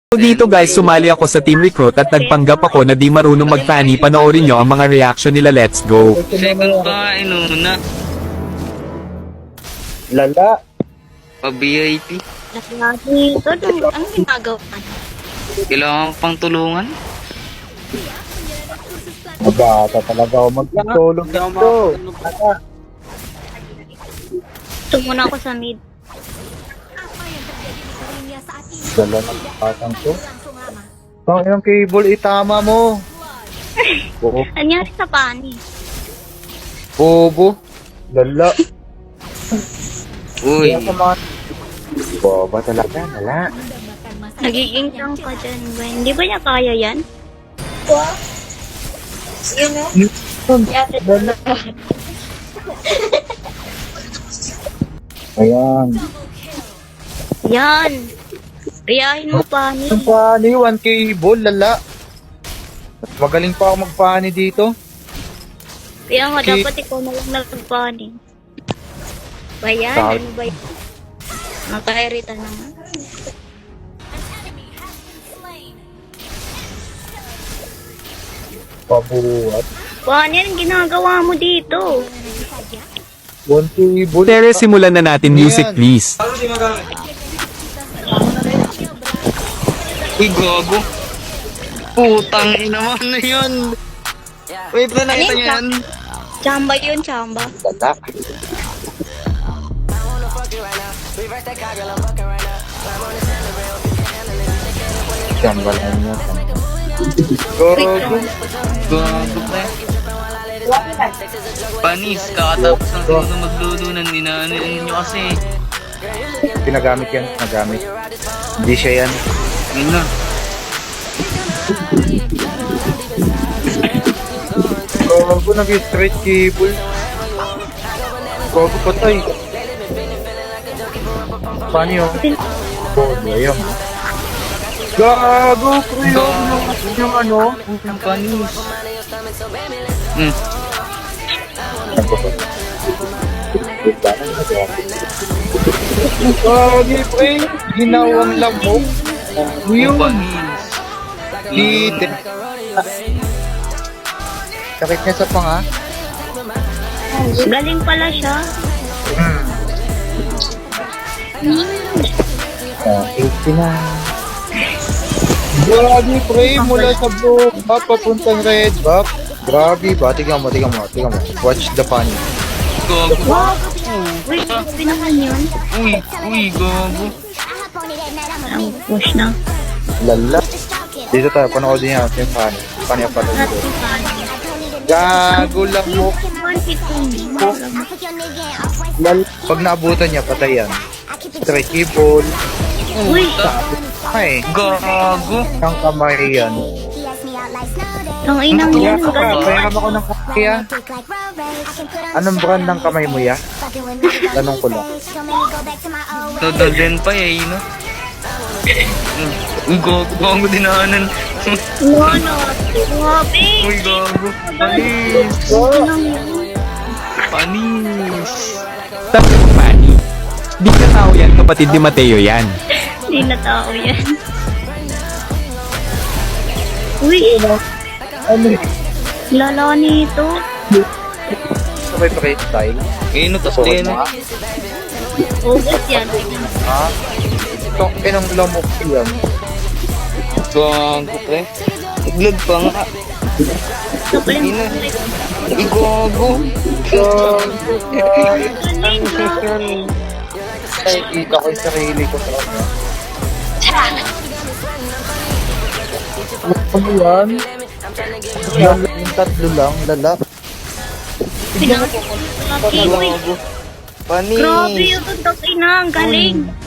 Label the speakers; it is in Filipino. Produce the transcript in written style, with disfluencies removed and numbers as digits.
Speaker 1: So dito guys, sumali ako sa team recruit at nagpanggap ako na di marunong mag-fanny. Panoorin nyo ang mga reaction nila. Let's go.
Speaker 2: Second pa, inuna.
Speaker 3: Lala.
Speaker 2: Pa-VIP.
Speaker 4: Lagi ito, ang ginagawa niya?
Speaker 2: Kailangan pang tulungan.
Speaker 3: Mabata talaga ako magtulog dito.
Speaker 4: Ito muna ako sa mid.
Speaker 3: Dala ng patang ko. Ang ilang cable, itama mo. Oo.
Speaker 4: Anyari sa pani?
Speaker 3: Bobo. Lala.
Speaker 2: Uy.
Speaker 3: Boba talaga, lala.
Speaker 4: Nagiging lang ka dyan, Gwen. Hindi ba niya kaya yan?
Speaker 3: Lala. Ayan.
Speaker 4: Yan! Riyahin mo pani.
Speaker 3: Ang pani, 1 cable, lala. Mas magaling pa ako magpani dito.
Speaker 4: Kaya nga, dapat ikaw na lang nagpani. Ba yan?
Speaker 3: Bakit?
Speaker 4: Ano ba yan? Nakairita naman.
Speaker 3: Pabuhat.
Speaker 4: Pani, anong ginagawa mo dito?
Speaker 3: 1 cable.
Speaker 1: Tere, simulan na natin. Music please.
Speaker 2: Uy, gago. Putang ina mo na yun. Wait na nakita niyo yan.
Speaker 4: Chamba yun, chamba.
Speaker 3: Lala. Jamba lang niya.
Speaker 2: Gago. Gago pre. Panis, kakatapos ng sino maglulunan. Dinaanan nyo kasi.
Speaker 3: Pinagamit yan, nagamit. Hindi siya yan.
Speaker 2: Yun na.
Speaker 3: Gago, nag-straight cable. Gago, patay. Paano yun? Gago, ayun. Gago, kuyo. Yung ano?
Speaker 2: Ang panis. Hmm.
Speaker 3: Gago, pre. Ginawang lamok. Yun.
Speaker 2: Panis.
Speaker 3: Litin. Sakit niya sa panga.
Speaker 4: Galing pala siya.
Speaker 3: Ah, 80 na. Grabe, pre, mula sa blue buff papuntang red buff. Grabe ba? Tingnan mo. Watch the funny.
Speaker 2: Gago.
Speaker 4: Wait, grabe naman yun.
Speaker 2: Uy, gago.
Speaker 4: Ang push na.
Speaker 3: Lala. Dito tayo, panoodin niya yung funny. Funny pa rin.
Speaker 4: Natin pani.
Speaker 3: Gago lang mo. Lal. Pag naabutan niya, patay yan. Straight keyboard.
Speaker 4: Uy,
Speaker 3: Ay,
Speaker 2: Gago.
Speaker 3: ang kamay yan.
Speaker 4: ang inang yan.
Speaker 3: Kaya
Speaker 4: Galing.
Speaker 3: pahiram ako ng kamay ya. Anong brand ng kamay mo ya? Tanong ko lang.
Speaker 2: Total din pa eh, no? Uy, gago dinaanan.
Speaker 4: Ano? Grabe.
Speaker 2: Uy, gago. Panis.
Speaker 4: Inang yan.
Speaker 2: Panis.
Speaker 1: Sabi ko, Fanny. Di ka tao yan, kapatid ni Mateo yan.
Speaker 4: Hindi na tao yan. Uy,
Speaker 3: Ano?
Speaker 4: lala nito.
Speaker 3: Sabay pa kayo style?
Speaker 2: Ngayon, no, tas din.
Speaker 4: Ugas yan.
Speaker 3: Ha? Itong inang lamok yan.
Speaker 2: Gago, pre. Vlog pa nga.
Speaker 4: Ito pa
Speaker 2: Ina.
Speaker 4: yung
Speaker 2: Uy, gago.
Speaker 4: galing.
Speaker 3: Ay, kita ko yung sarili ko sa ano. Ano yan? Yan, yung tatlo lang, lala.
Speaker 4: Pinakita. Uy,
Speaker 2: Gago. Panis.
Speaker 4: grabe yun. Ang ina, ang galing.